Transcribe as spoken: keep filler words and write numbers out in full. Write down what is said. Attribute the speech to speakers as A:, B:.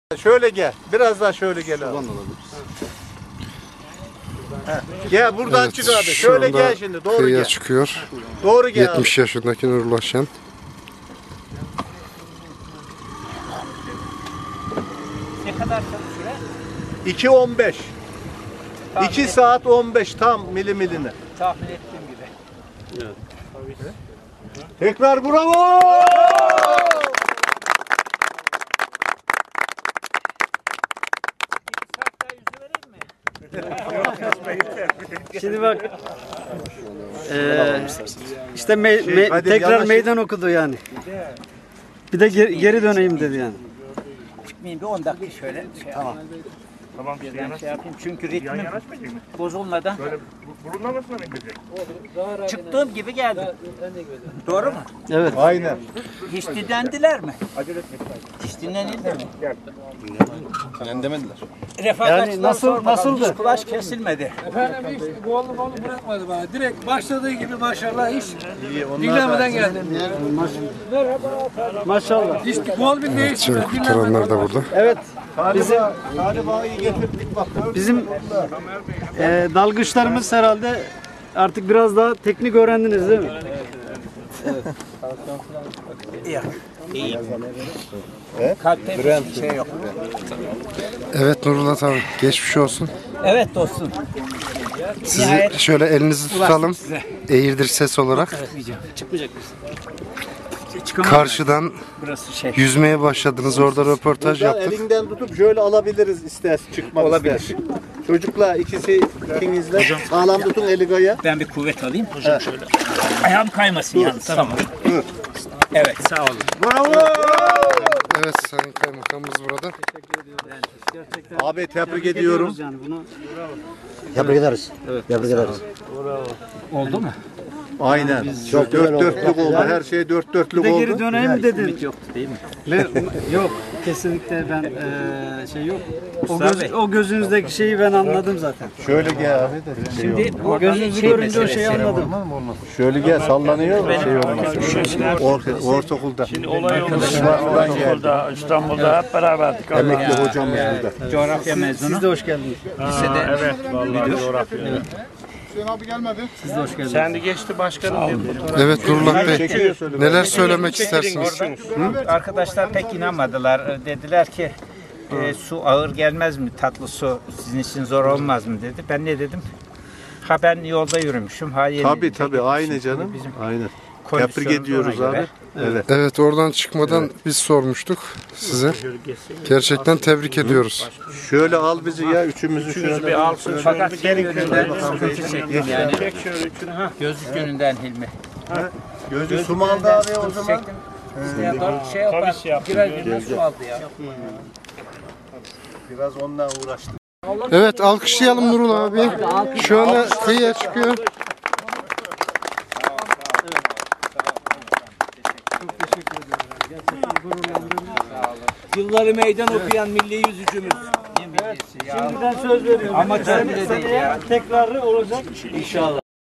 A: Şöyle gel. Biraz daha şöyle gel abi. Gel buradan
B: Evet,
A: çık abi.
B: şu
A: Şöyle
B: anda
A: gel şimdi. Doğru
B: kıyıya
A: gel.
B: çıkıyor.
A: Doğru gel
B: yetmiş
A: abi.
B: yaşındaki Nurullah Şen.
C: Ne kadar süre?
A: iki on beş. iki saat on beş tam milimiline.
C: Tahmin ettiğim gibi. Evet.
A: Tekrar bravo!
D: Şimdi bak, eee işte me-
A: Şey,
D: me-
A: hadi
D: tekrar
A: yanaş.
D: meydan okudu yani. Bir de ge- geri döneyim dedi yani.
C: Çıkmayayım bir on dakika şöyle şey tamam.
E: Tamam,
C: Ben şey yapayım çünkü ritmim bozulmadan.
E: Böyle burunlamasına mı gidecek?
C: Çıktığım gibi geldim. Doğru mu?
D: Evet.
A: Aynen.
C: Hiç dinlendiler mi? Hiç dinlenildi mi?
A: Demediler.
C: Refakatçılar
D: Yani nasıl-
C: sormadan
D: nasıldı?
C: hiç kulaç kesilmedi.
F: Efendim hiç gollu gollu bırakmadı bana. Direkt başladığı gibi maşallah hiç
A: İyi, onlar da-
F: dinlemeden geldi.
D: Maşallah.
F: Hiç gol bir değişti.
B: Şimdi kurtaranlar da burada.
D: Evet.
A: Galiba, galiba iyi getirdik bak. gördün mü?
D: Bizim eee dalgıçlarımız herhalde artık biraz daha teknik öğrendiniz değil mi?
C: Kalpte bir şey yok.
B: Evet Nurullah abi, geçmiş olsun.
C: Evet dostum.
B: Sizi
C: Nihayet
B: şöyle elinizi tutalım.
C: size.
B: Eğirdir ses olarak.
C: Çıkmayacak mısın?
B: Karşıdan
C: Burası şey.
B: yüzmeye başladınız. Orada röportaj
A: Buradan
B: yaptık.
A: elinden tutup şöyle alabiliriz istersen çıkmak
C: Olabilir.
A: istersen. Çocuklar ikisi ikinizle sağlam tutun eli gaya.
C: Ben bir kuvvet alayım. Hocam şöyle. Ayağım kaymasın yalnız. Tamam. Evet sağ olun.
A: Bravo!
B: Evet, Sayın Kaymakamımız burada.
A: Abi tebrik ediyorum.
D: Yani bunu
G: Tebrik ederiz. Evet. Tebrik ederiz.
C: Oldu mu?
A: Aynen. Çok dört dörtlük oldu. Her şey dört
D: bir
A: dörtlük
D: de geri
A: oldu.
D: döneyim mi dedin?
C: Yoktu değil mi?
D: Ve- yok. Kesinlikle ben eee, şey yok. O,
C: Mustafa
D: göz,
C: Bey.
D: o gözünüzdeki şeyi ben anladım zaten.
A: Şöyle gel abi.
C: Şimdi
D: O gözünüzü görünce o şeyi anladım.
A: Şöyle gel sallanıyor. Şey olmaz. Orta, ortaokulda.
E: Olay oldu. İstanbul'da, İstanbul'da hep beraberdik.
A: Emekli hocamız burada.
C: coğrafya mezunu.
D: Siz de hoş geldiniz.
C: Lisede
E: Evet, vallahi coğrafya.
D: Siz de hoş geldiniz.
E: Sen de geçti başkanım.
B: Evet Nurullah Bey, neler söylemek istersiniz?
C: arkadaşlar pek inanmadılar. Dediler ki e, su ağır gelmez mi? Tatlı su sizin için zor olmaz mı dedi. Ben ne dedim? Ha ben yolda yürümüşüm. Ha yeni
A: Tabii tabii aynı canım.
C: Bizim
A: Aynen.
C: kondisyonumuz
A: Tebrik ediyoruz
C: ona
A: abi.
C: göre.
A: Evet.
B: Evet, oradan çıkmadan biz sormuştuk size. Gerçekten tebrik ediyoruz.
A: Şöyle al bizi ya üçümüzü şöyle.
E: Bir alsın.
C: Fakat şey yönünden sıkıntı çektim yani.
E: Çek şöyle üçünü. Ha.
C: Gözlük yönünden Hilmi.
A: Gözü sumalda abi o zaman.
C: Çektim. İsteyen dört şey yapar.
E: Kavis yaptı.
C: Birer günden su aldı ya.
A: Biraz onunla uğraştık.
B: Evet, alkışlayalım Nurullah abi. Şu anda kıyıya çıkıyor.
H: Yılları meydan okuyan milli yüzücümüz.
D: Şimdiden söz veriyorum.
C: Amatör bile
D: Seneye
C: değil ya.
D: tekrarı olacak.
H: İnşallah.